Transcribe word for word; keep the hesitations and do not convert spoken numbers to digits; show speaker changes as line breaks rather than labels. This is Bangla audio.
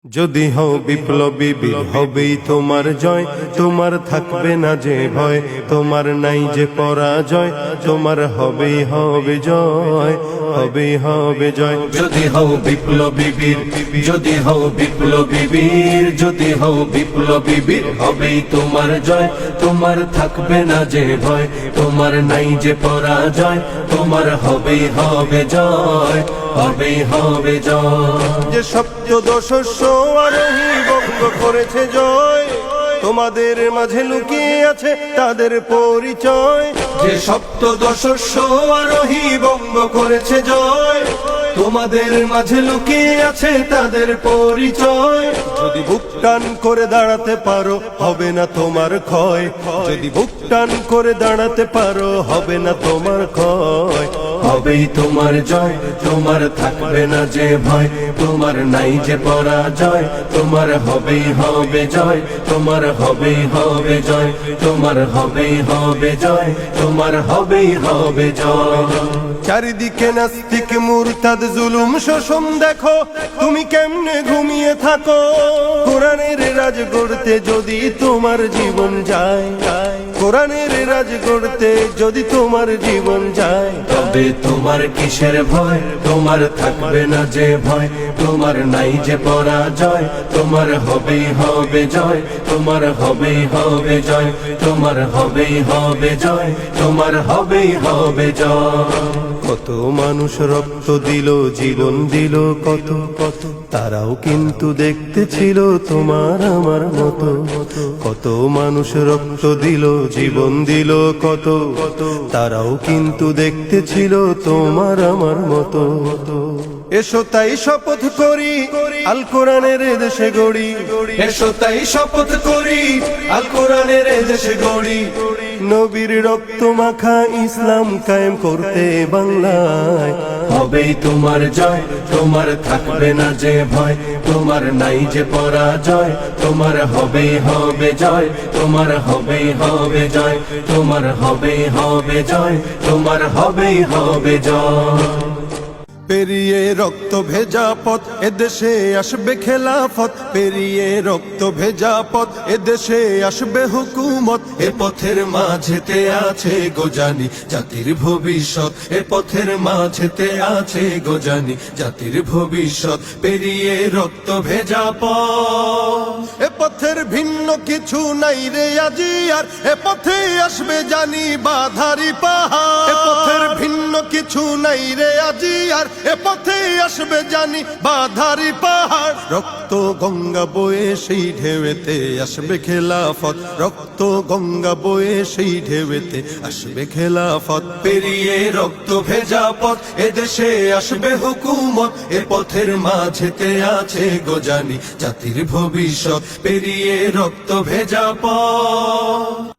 যদি হও বিপ্লবী বীর হবেই তোমার জয়, তোমার থাকবে না যে ভয়, তোমার নাই যে পরাজয়, তোমার হবেই হবে জয়, হবেই হবে জয়।
যদি হও বিপ্লবী বীর, যদি হও বিপ্লবী বীর, যদি হও বিপ্লবী বীর, হবেই তোমার জয়, তোমার থাকবে না যে ভয়, তোমার নাই যে পরাজয়, তোমার হবেই হবে জয়, হবেই হবে জয়।
যে সপ্তদশস্য আরোহী বঙ্গ করেছে জয়, তোমাদের মাঝে লুকিয়ে আছে তাদের পরিচয়।
যে সপ্তদশস্য আরোহী বঙ্গ করেছে জয়, তোমাদের মাঝে লুকিয়ে আছে তাদের পরিচয়।
যদি বুক টান করে দাঁড়াতে পারো হবে না তোমার ক্ষয়, যদি বুক টান করে দাঁড়াতে পারো হবে না তোমার ক্ষয়,
হবেই তোমার জয়, তোমার থাকবে না যে ভয়, তোমার নাই যে পরাজয়, তোমার হবেই হবে জয়, তোমার হবেই হবে জয়, তোমার হবেই হবে জয়, তোমার হবেই হবে জয়।
চারিদিকে নাস্তিক মুরতাদ জুলুম শোষণ দেখো, তুমি কেমনে ঘুমিয়ে থাকো। কোরআনের রাজ গড়তে যদি তোমার জীবন যায়, কোরআনের রাজ গড়তে যদি তোমার জীবন যায়,
তবে তোমার কিসের ভয়, তোমার থাকবে না যে ভয়, তোমার নাই যে পরাজয়, তোমার হবেই হবে জয়, তোমার হবেই হবে জয়, তোমার হবেই হবে জয়, তোমার হবেই হবে জয়।
কত মানুষ রক্ত দিল, জীবন দিল কত কত, তারাও কিন্তু দেখতে ছিল তোমার আমার মতো। কত মানুষ রক্ত দিল, জীবন দিল কত কত, তারাও কিন্তু দেখতে ছিল তোমার আমার মতো। এসো তাই শপথ করি আল কোরআনের দেশে গড়ি,
এসো তাই শপথ করি আল কোরআনের দেশে গড়ি,
নবীর রক্ত মাখা ইসলাম কায়েম করতে বাংলায়।
হবেই তোমার জয়, তোমার থাকবে না যে ভয়, তোমার নাই যে পরাজয়, তোমার হবেই হবে জয়, তোমার হবেই হবে জয়, তোমার হবেই হবে জয়, তোমার হবেই হবে জয়।
পেরিয়ে রক্ত ভেজা পথ এদেশে আসবে খেলাফত, পেরিয়ে রক্ত ভেজা পথ এদেশে আসবে হুকুমত।
এ পথের মাঝেতে আছে গোজানি জাতির ভবিষ্যৎ, এ পথের মাঝেতে আছে গোজানি জাতির ভবিষ্যৎ। পেরিয়ে রক্ত ভেজা পথ,
এ পথের ভিন্ন কিছু নাই রে আজি আর, এ পথে আসবে জানি বাধারি পাহাড়। এ পথের ভিন্ন কিছু নাই রে আজি আর, এ পথে আসবে জানি বাধারি পাহাড়। রক্ত গঙ্গা বয়ে সেই ঢেউতে আসবে খেলাফত, রক্ত গঙ্গা বয়ে সেই ঢেউতে আসবে খেলাফত।
পেরিয়ে রক্ত ভেজা পথ এদেশে আসবে হুকুমত, এ পথের মাঝেতে আছে গোজানি জাতির ভবিষ্যৎ। পেরিয়ে রক্ত ভেজা পথ।